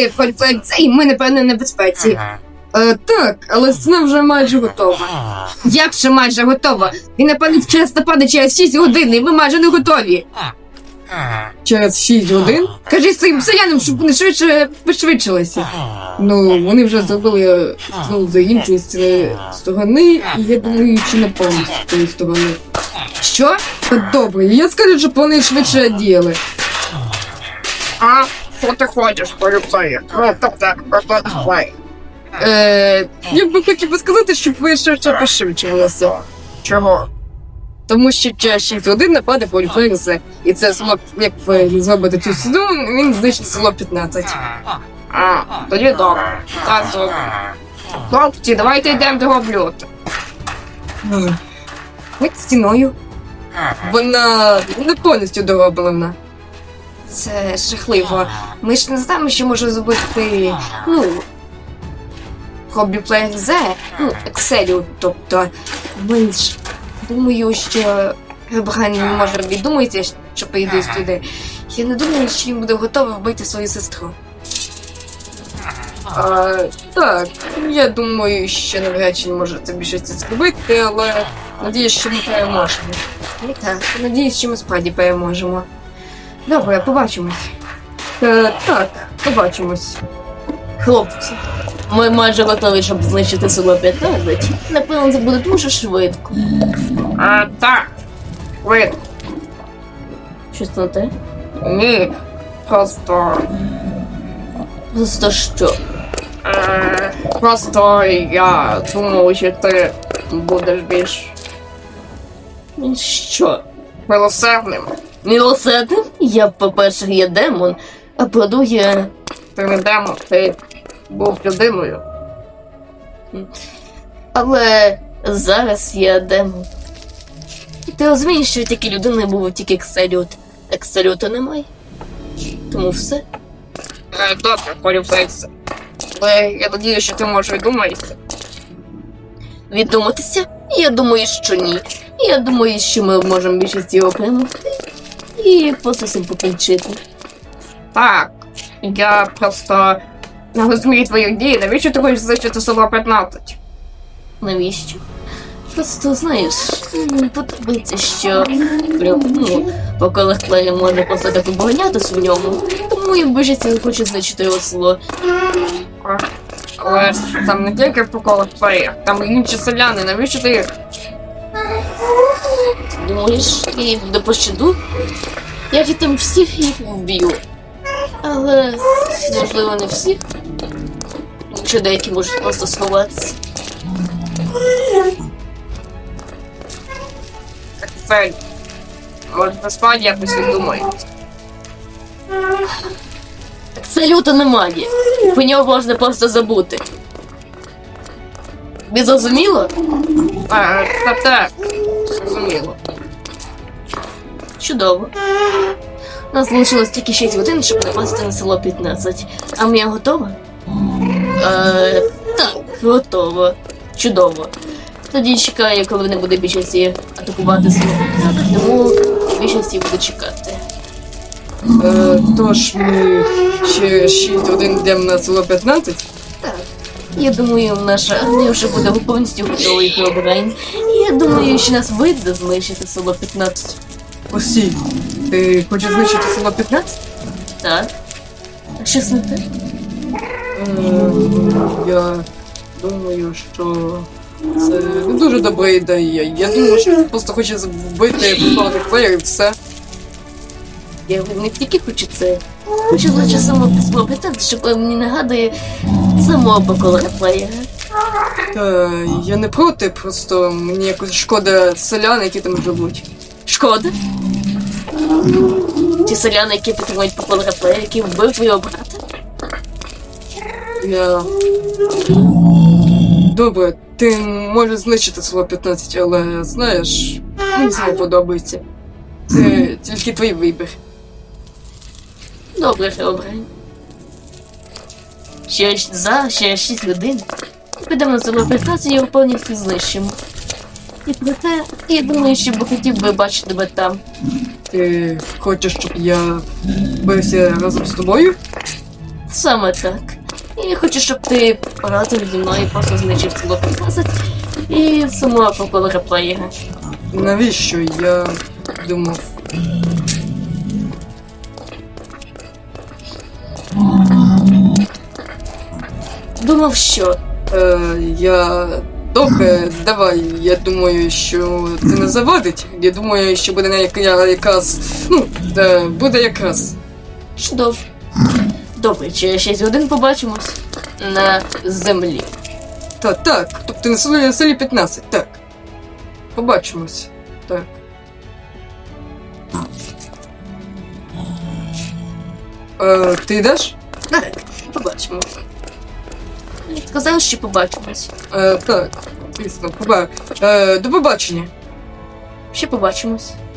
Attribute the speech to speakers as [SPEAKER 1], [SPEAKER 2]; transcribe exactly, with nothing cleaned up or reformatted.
[SPEAKER 1] Ми фальфекція, і ми, напевно, на безпеці. Е, так, але сцена вже майже готова. Як ще майже готова? Він, напевно, часто падає через шість годин, і ми майже не готові. Через шість годин? Кажи своїм селянам, щоб вони швидше пришвидшилися. Ну, вони вже зробили ну, за іншої сторони, і я думаю, чи не повністю з тої сторони. Що? Та добре, я скажу, щоб вони швидше діяли.
[SPEAKER 2] А? Що ти хочеш, поліцея? Ну, тобто, поліцея.
[SPEAKER 1] Е, я б хотів би сказати, щоб ви швидше пришвидшилися.
[SPEAKER 2] Чого?
[SPEAKER 1] Тому що через шість годин нападе поліферіса, і це село, як ви зробите цю сіду, він знищить село п'ятнадцять.
[SPEAKER 2] А, тоді добре. Так, добре. Хлопці, давайте йдемо до облюта.
[SPEAKER 1] Будь стіною. Вона не повністю дороблена. Це жахливо. Ми ж не знаємо, що може зробити, ну, Hobbyplayer Z, ну, Excel, тобто, ми ж, думаю, що Брайан не може віддумати, що прийде сюди. Я не думаю, що він буде готовий вбити свою сестру. А, так, я думаю, що навряд чи не може це більше це зробити, але надіюсь, що ми переможемо. І так, надіюсь, що ми справді переможемо. Добре, побачимось. Е, так, побачимось.
[SPEAKER 3] Хлопці, ми майже готові, щоб знищити село п'ятнадцять. Напевно, це буде дуже швидко.
[SPEAKER 2] А, так. Ви,
[SPEAKER 3] Щось на те?
[SPEAKER 2] ні, просто...
[SPEAKER 3] Просто що?
[SPEAKER 2] Е, просто я думав, що ти будеш більш
[SPEAKER 3] Що?
[SPEAKER 2] милосердним.
[SPEAKER 3] Мілосердним? Я, по-перше, є демон, а по-друге,
[SPEAKER 2] Ти не демон, ти був людиною.
[SPEAKER 3] але зараз я демон. Ти розумієш, що тільки людини був тільки екселют. Екселюта немає. Тому все.
[SPEAKER 2] Е, добре, поліцейся. Але я надію, що ти можеш віддуматися.
[SPEAKER 3] Віддуматися? Я думаю, що ні. Я думаю, що ми можемо більшість його перемогти. І просто цим покінчити.
[SPEAKER 2] Так, я просто не розумію твої дії. Навіщо ти хочеш знищити село п'ятнадцять?
[SPEAKER 3] Навіщо? Просто, знаєш, мені подобається, що ну, по колективі можна просто так оборонятися в ньому. Тому я більшість хочу знищити його село.
[SPEAKER 2] А, але ж там не тільки по колективі, там і інші селяни. Навіщо ти їх?
[SPEAKER 3] Думаєш, я їх до пощаду? Я від там всіх їх вб'ю. Але, можливо, не всіх. Чи деякі можуть просто сховатися.
[SPEAKER 2] Так, Фель, може, насправді якось віддумаєш.
[SPEAKER 3] Це люто немає. Про нього можна просто забути. Ви зрозуміло?
[SPEAKER 2] А, та так, зрозуміло.
[SPEAKER 3] Чудово. У нас залишилось тільки шість годин, щоб напасти на село п'ятнадцять. А моя готова? Е, так, готова. Чудово. Тоді чекаю, коли не буде більшості атакувати село п'ятнадцять, тому більшості буду чекати.
[SPEAKER 1] Е, тож ми ще шість годин йдемо на село п'ятнадцять.
[SPEAKER 3] Так. Я думаю, наша армія вже буде повністю готова їх обрань. І я думаю, що нас вийде знищити село п'ятнадцять.
[SPEAKER 1] Осі, ти хочеш знищити село п'ятнадцять?
[SPEAKER 3] Так. А щось не те?
[SPEAKER 1] Е, я думаю, що це не дуже добра ідея. Я думаю, що він просто хоче вбити повних плеєрів, все.
[SPEAKER 3] Я не тільки хочу це. Хочу лише само село п'ятнадцять, що мені нагадує самого покоління плеєра.
[SPEAKER 1] Та я не проти, просто мені якось шкода селян, які там живуть.
[SPEAKER 3] Шкода. Ті селяни, які підтримують покоління плеєра, які вбив твого брата.
[SPEAKER 1] Я... Добре, ти можеш знищити село п'ятнадцять, але, знаєш, мені це не подобається. Це тільки твій вибір.
[SPEAKER 3] Добре, добре. Ще за ще шість годин. Підемо на село п'ятнадцять і його повністю знищимо. І проте, я думаю, що б хотів би бачити тебе там.
[SPEAKER 1] Ти хочеш, щоб я бився разом з тобою?
[SPEAKER 3] Саме так. І я хочу, щоб ти разом зі мною просто знищив село п'ятнадцять і самого проколора плеєра.
[SPEAKER 1] Навіщо? Я думав.
[SPEAKER 3] Думав, що?
[SPEAKER 1] Е, я. Добре, давай. Я думаю, що це не завадить. Я думаю, що буде на як- я- якраз. Ну, е, буде якраз.
[SPEAKER 3] Чудово. Добре, через шість годин побачимось на землі.
[SPEAKER 1] Та так. Тобто на селі, селі п'ятнадцять, так. Побачимось. Так. Е, ти йдеш?
[SPEAKER 3] Так, побачимось. Сказав, що побачимось.
[SPEAKER 1] Е, так, звісно, поба... Е, до побачення.
[SPEAKER 3] Ще побачимось.